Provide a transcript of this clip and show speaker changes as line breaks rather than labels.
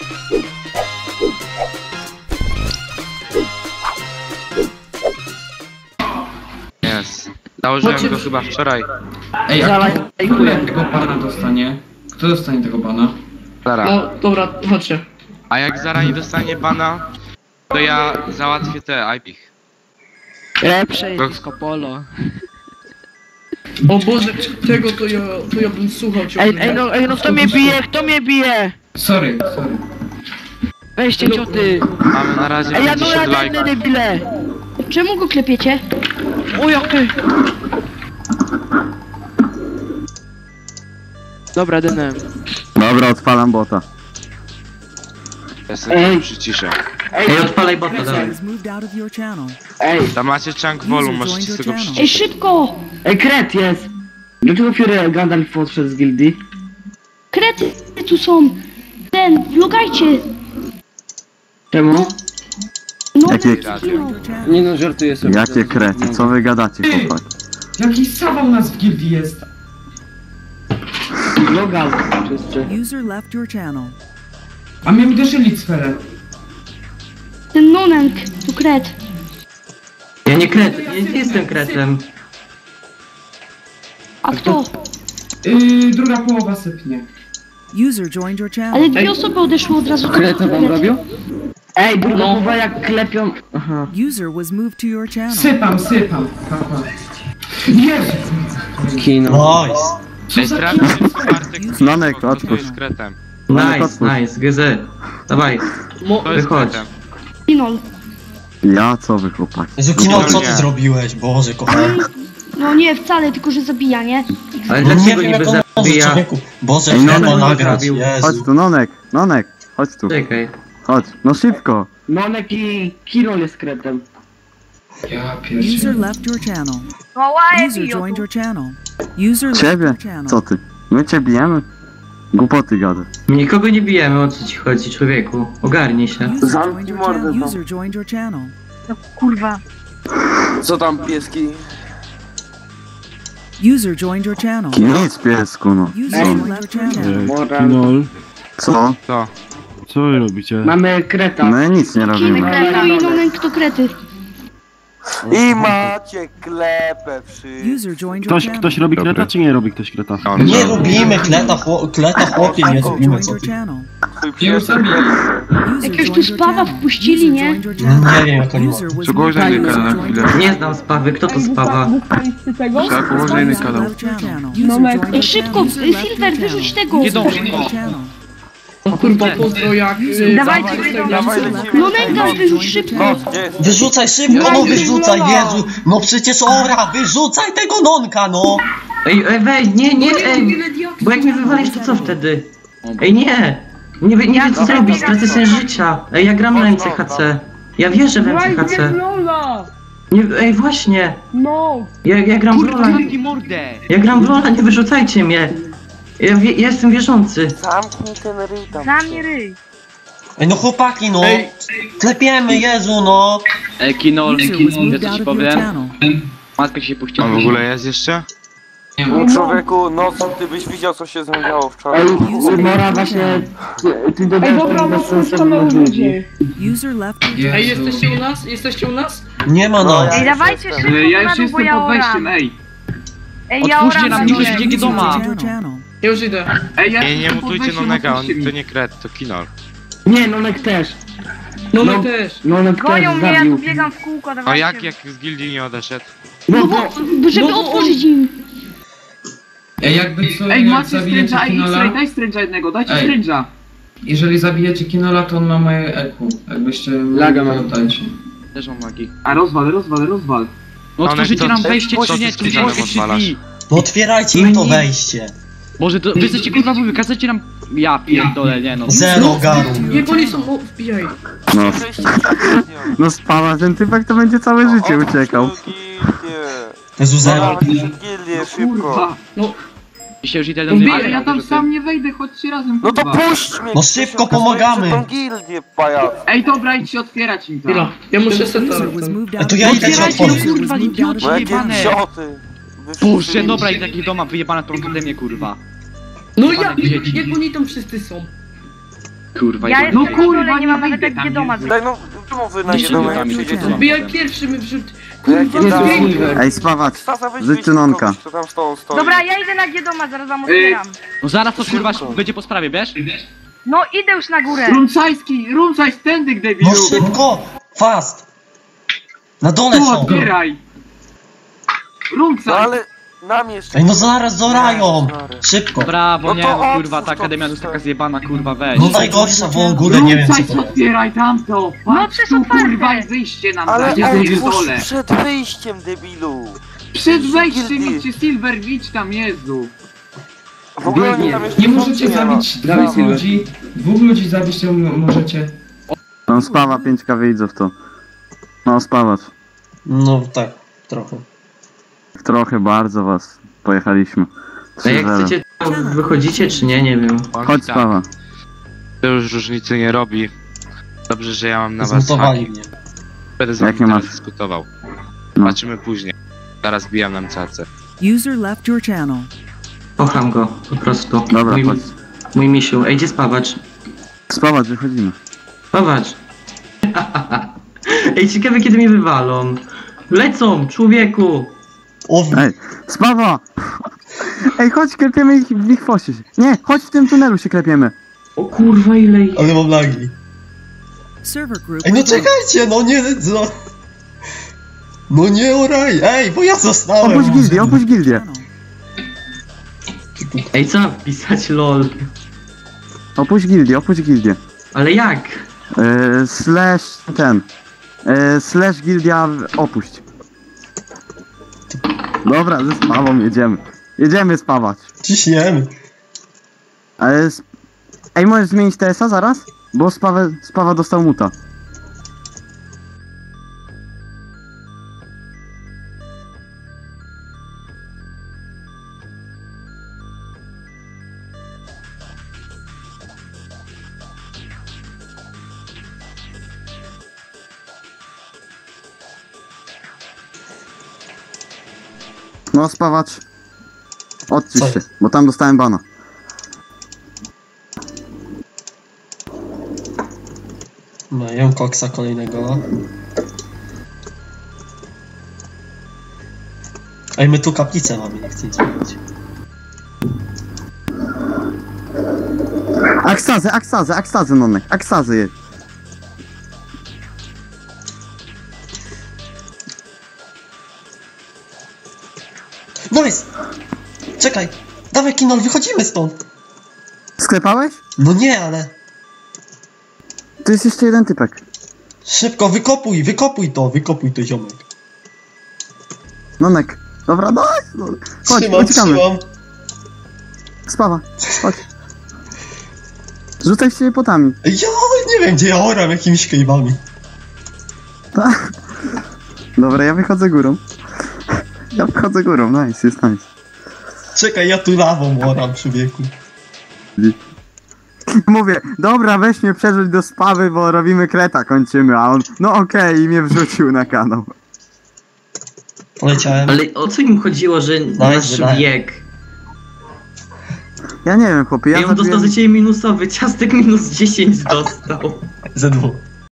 Jest. Założyłem go chyba wczoraj.
Ej, a kto tego bana dostanie? Kto dostanie tego bana?
Zara.
No dobra, chodźcie.
A jak Zara nie dostanie bana, to ja załatwię te IP.
Lepsze jest disco polo.
O Boże, tego to ja bym słuchał ciągle.
Ej no kto mnie bije? Kto mnie bije?
Sorry.
Weźcie cioty.
Mamy na razie
Ej, ja no
50
ja
lajków.
debile.
Czemu go klepiecie?
O jak ty. Dobra, denem.
Dobra, odpalam bota.
Ja sobie przyciszę.
Ej, odpalaj bota, dawaj.
Tam macie chunk volume, możecie z tego
Ej,
przyciszyć.
szybko!
Ej, kret jest! Dlaczego Fury Gandalf odszedł z gildii?
Krety tu są! Vlogajcie!
Czemu?
No,
Jakie-
no.
Nie no, żartuję sobie.
Jakie krety, co wy gadacie, chłopak?
Jaki sawał nas w gildii jest?
Logal, wszyscy.
User left your channel.
A mnie uderzyli sferę.
Ten nonenk, tu kret.
Ja nie kret, nie jestem kretem.
A kto?
Druga połowa sypnie.
User joined your channel.
Ale dwie osoby odeszły od razu.
Kreta wam robią? Ej, druga połowa jak klepią... Aha.
User was moved to your channel.
Sypam. Papa. Jezu!
Kino.
Ej, sprawdź, czy Bartek
Nonek,
kto
odpuść.
jest kretem.
Nice, GZ. Dawaj,
To jest
wychodź.
kretem.
Kinol.
Ja, co wy, chłopaki?
Zukino, co ty
Nie.
zrobiłeś? Boże, kochany.
No nie, wcale, tylko że zabija, nie?
Ale
No nie
dlaczego
wiem,
niby
jak on może,
zabija?
człowieku. Boże,
Ej, no,
trzeba
no,
nagrać,
zrobił.
Chodź
Jezu.
tu, Nonek, chodź tu,
Czekaj.
chodź, no szybko.
Nonek i Kirol jest kretem.
Ja
User
pierdzielę.
left your channel. User joined your channel. User left
Ciebie?
your channel.
Co ty? My cię bijemy? Głupoty gadasz.
Nikogo nie bijemy, o co ci chodzi, człowieku? Ogarnij się.
User
Zamknij
joined your
mordę,
channel.
no.
User joined your channel.
Kurwa.
Co tam, pieski?
User joined your channel.
Nic, piesku, no.
User left your channel.
Moral.
Co?
Co?
Co wy robicie?
Mamy kreta.
My nic nie robimy.
Kreta i nonenk to krety.
I macie klepę wszyscy.
User joined your channel.
Ktoś robi kreta,
Dobra.
czy nie robi ktoś kreta?
Nie lubimy kleta, chłopie, nie
User
lubimy,
joined
co
your
ty.
channel.
Już zabili.
User
Jakiegoś tu
joined your
spawa
channel.
wpuścili,
User
nie?
joined your channel.
Nie wiem, jak oni
User was
Czego
moved
za
to
inny
your
kanał
channel.
na chwilę?
Nie znam spawy, kto to spawa?
Tak, ułożę inny kanał.
Left your channel. User joined
Ej,
your
szybko,
channel. User left
Silver,
your
wyrzuć
channel.
tego.
Nie dąż,
User joined your channel.
O kurwa, pozdro jak...
Dawajcie,
Dawaj, lecimy.
nonenka wyrzuć szybko.
Gdzie jest?
Wyrzucaj szybko, no wyrzucaj, Jezu! No przecież ora, wyrzucaj tego nonka, no!
Ej, weź, nie, ej! Bo jak mnie wywalisz, to co wtedy? Ej, nie! Nie wiem co zrobić, stracę sens życia. Ej, ja gram na MCHC. Ja wierzę w MCHC. Nie, ej, właśnie! Ja gram w Lola. Ja gram w Lola, nie wyrzucajcie mnie! Ja jestem wierzący.
Zamknij ten ryj tam.
Zamknij ryj.
Ej, no chłopaki, no! Klepiemy, Jezu, no!
User was moved out of your channel.
On w ogóle jest jeszcze?
No człowieku, no co ty byś widział co się zmieniało wczoraj.
Ej, Mora właśnie... Ty dodajesz tam bezsensownych ludzi.
User left your channel.
Ej, jesteście u nas? Jesteście u nas?
Nie ma nas!
Ej,
dawajcie szybko, ja już jestem pod wejściem,
ej.
Ej, ja oram na
nikt
dole.
nie idzie
User
doma.
joined your channel.
Ja już idę.
Nie mutujcie Nonega, on to nie kret, to Kinol.
Nie, Nonek też.
Nonek też.
Nonek też zabił.
biegam w kółko,
A jak z gildii nie odeszedł?
No bo...
Żeby otworzyć im.
Ej, jakby co,
Ej,
jak
macie
zabijecie
stręża,
Kinola...
daj stręża jednego, dajcie
Ej.
stręża.
Jeżeli zabijecie Kinola, to on ma moje EQ. Jakbyście...
Laga mam.
Pamiętajcie.
Też mam magii. A rozwal. No
One
otworzycie
to-
nam wejście,
co
czy nie?
ty z
Tu
Kizanem
jest
odwalasz?
drzwi.
No otwierajcie im to wejście!
Może to, wy jesteście kurwa wy, kazujecie nam... Ja pierdolę, nie no.
Zero garu!
Jak oni są? O, wbijaj.
No,
Przejście przez nią.
no spała ten typek, to będzie całe życie uciekał.
Jezu, zero!
Dawaj gildię, szybko.
Kurwa. No,
Się już idę do
Wbijaj.
mnie.
Ale ja tam
sam nie wejdę, chodźcie razem,
No to puść mnie!
No szybko pomagamy.
Tą gildię, pajac.
Ej, dobra, idźcie otwierać im
chwila. Ja muszę seta.
User was moved
A
out
to
of
ja
your
idę ci
channel.
otworzyć.
User was
Kurwa,
moved out of
No
your
jakie
Jebane.
idioty.
Puszczę, dobra, i takich doma wyjebane tą akademię, kurwa.
No ja,
Dzieci.
jak oni tam wszyscy są?
Kurwa,
Ja
jebany.
jestem na dole, nie mam nawet jak doma
Daj no, czemu wy na
Jeszcze
jedną
tam
jak przyjdziecie?
jest.
Wbijaj pierwszy mi wśród...
Jakie
Kurwa,
tam?
zbieg.
Ej, spawacz,
Stasa, weź
Żyć
wyjść
Nonka.
kogoś, kto tam z tą stoi.
Dobra, ja idę na Giedoma, zaraz wam otwieram.
No zaraz to kurwa będzie po sprawie, wiesz?
No idę już na górę.
Rumcajs tędy, debilu!
No szybko! Fast! Na dole
Tu
są!
otwieraj!
No
Rumcaj!
ale nam jeszcze...
Ej, no zaraz zorają! Szybko!
Brawo,
No
nie,
to
no kurwa,
otwórz
ta
to,
akademia to jest taka
przecież.
zjebana, kurwa, weź.
No najgorsza w ogóle, nie wiem co
Rumcajs
to jest.
otwieraj tamto!
No
Patrz
przecież
tu,
otwarte.
kurwa, i wyjście nam
Ale
da, ja
otwórz
dole!
przed wyjściem, debilu!
Przed wejściem
Gildii.
idźcie Silver, idź tam, Jezu!
W ogóle oni tam jeszcze
Nie możecie
nie ma.
zabić dwóch ludzi. Dwóch ludzi zabić to możecie.
No spawa 5k widzów to. No spawacz.
No tak, trochę.
Trochę, bardzo was pojechaliśmy.
A jak
3-0.
chcecie, to wychodzicie czy nie, nie wiem.
Chodź spawa.
To już różnicy nie robi. Dobrze, że ja mam na was
Zmutowali
haki.
mnie.
Będę z wami
Jakie
teraz
masz?
dyskutował.
No.
Zobaczymy później. Zaraz bijam nam cacę.
User left your channel.
Kocham go, po prostu.
Dobra, chodź.
Mój misiu. Ej, gdzie spawacz?
Spawacz, wychodzimy.
Spawacz. Ej, ciekawe kiedy mnie wywalą. Lecą, człowieku!
O,
Ej, spawa! Ej, chodź, klepiemy ich w ich fosie. Nie, chodź w tym tunelu się klepiemy.
O kurwa, ile ich...
ale mam lagi.
Server group.
Ej, no czekajcie, no nie, no... No nie oraj, ej, bo ja zostałem.
Opuść gildię.
Channel.
Ej, co mam wpisać, lol?
Opuść gildię.
Ale jak?
Slash gildia opuść. Dobra, ze spawą jedziemy. Jedziemy spawać.
Ciśniemy.
Ale ej, możesz zmienić TS-a zaraz? Bo spawa dostał muta. No spawacz. Odcisz
Co
się,
jest?
bo tam dostałem bana.
No, jem koksa kolejnego. Ej, my tu kaplicę mamy, nie chcę nic mówić.
Aksazy, nonek, aksazy je.
Nice! Czekaj! Dawaj Kinol, wychodzimy stąd!
Sklepałeś?
No nie, ale...
Tu jest jeszcze jeden typek.
Szybko, wykopuj to ziomek.
Nonek. Dobra, no, chodź, uciekamy. Spawa, chodź. Rzucaj się potami.
Ja nie wiem, gdzie ja oram jakimiś kejwami.
Dobra, ja wychodzę górą. Nice, jest nice.
Czekaj, ja tu lawą oram, człowieku.
Mówię, dobra, weź mnie przerzuć do spawy, bo robimy kreta, kończymy, a on, no okej, i mnie wrzucił na kanał.
Poleciałem.
Ale o co im chodziło, że nasz
nice.
wiek?
Ja nie wiem, chłopie,
Ja on dostał za ciebie minusowy, ciastek minus 10 dostał.
Ze dwóch.